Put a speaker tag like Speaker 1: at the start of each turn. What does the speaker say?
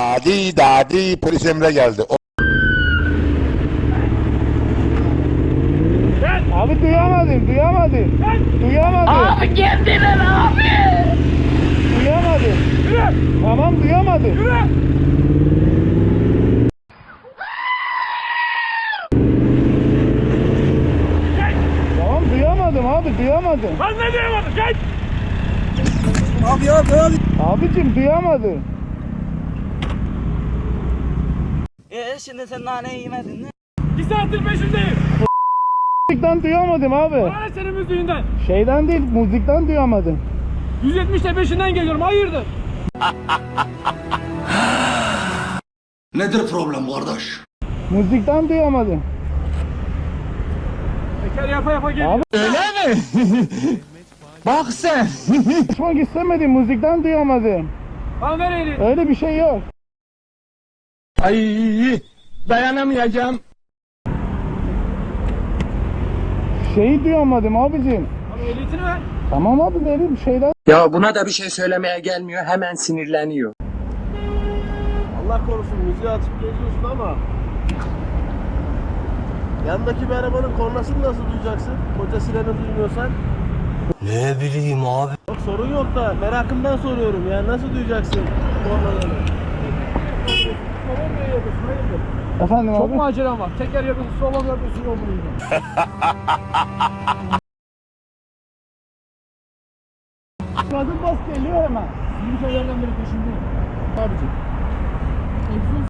Speaker 1: Dadi polis Emre geldi.
Speaker 2: Abi duyamadım.
Speaker 3: Abi geldiler abi.
Speaker 2: Duyamadım.
Speaker 4: Yürü!
Speaker 2: Tamam duyamadım.
Speaker 4: Yürü!
Speaker 2: Tamam duyamadım abi duyamadım.
Speaker 4: Ben ne diyemadım? Geç!
Speaker 2: Abicim duyamadım.
Speaker 3: Şimdi sen naneyi yemedin mi?
Speaker 4: 2 saattir peşindeyim.
Speaker 2: Müzikten duyamadım abi.
Speaker 4: Bana ne senin müziğinden?
Speaker 2: Şeyden değil müzikten duyamadım.
Speaker 4: 170'le peşinden geliyorum. Hayırdır?
Speaker 5: Nedir problem kardeş?
Speaker 2: Müzikten duyamadım.
Speaker 4: Teker yapa yapa geliyor.
Speaker 2: Abi
Speaker 6: Öyle mi? Bak sen.
Speaker 2: konuşmak istemedim müzikten duyamadım.
Speaker 4: Lan ver elini.
Speaker 2: Öyle bir şey yok.
Speaker 6: Ay dayanamayacağım.
Speaker 2: Şeyi duyamadım abicim.
Speaker 4: Abi ehliyetini ver.
Speaker 2: Tamam abi dedim şeyden.
Speaker 6: Ya buna da bir şey söylemeye gelmiyor. Hemen sinirleniyor.
Speaker 7: Allah korusun müziği açıp geziyorsun ama yandaki bir arabanın kornasını nasıl duyacaksın? Koca sireni duymuyorsan.
Speaker 5: Ne bileyim abi.
Speaker 7: Yok sorun yok da merakımdan soruyorum ya nasıl duyacaksın kornaları?
Speaker 4: Tamam ne yapıyorsun? Hayırdır?
Speaker 2: Efendim
Speaker 4: Çok
Speaker 2: abi.
Speaker 4: mu acelem var? Teker yapıyorsun, sola yapıyorsun, yol buluyorsun.
Speaker 2: Kadın bas geliyor hemen.
Speaker 4: Yürü şeylerden beri peşindeyim. Abicim. Egzoz